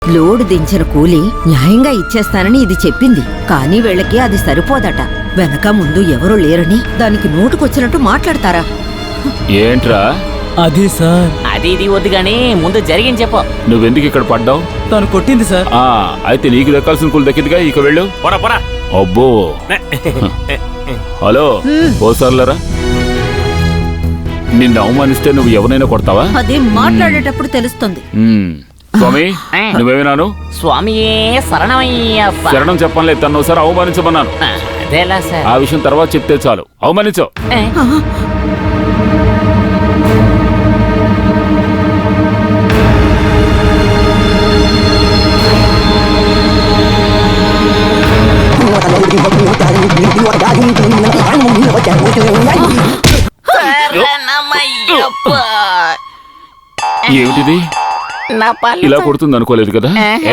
Load దించిన కూలి న్యాయంగా ఇచ్చేస్తానని ఇది చెప్పింది. కానీ వీళ్ళకి అది సరిపోదట. వెనక ముందు ఎవరూ లేరని దానికి నోటుకొచ్చినట్టు మాట్లాడతారా? ఏంట్రా అది సార్, అది ఇది వద్దు గానీ ముందు జరిగింది చెప్పు. నువ్వెందుకు ఇక్కడ పడ్డావు? తను కొట్టింది సార్. అయితే నీకు దక్కాల్సిన కూలి దక్కిందిగా, ఇక వెళ్ళు. అబ్బో హలో ఓసార్లరా, నిన్ను అవమానిస్తే నువ్వు ఎవరైనా కొడతావా? అది మాట్లాడేటప్పుడు తెలుస్తుంది. స్వామి నువ్వేమినాను? స్వామియే శరణమయ్యప్ప. శరణం చెప్పనులే, తను ఒకసారి అవమానించమన్నాను. అదేలా సార్? ఆ విషయం తర్వాత చెప్తే చాలు. అవమానించు. శరణమయ్యప్ప. ఏమిటిది? నా పళ్ళు ఇలా కొడుతుంది అనుకోలేదు కదా.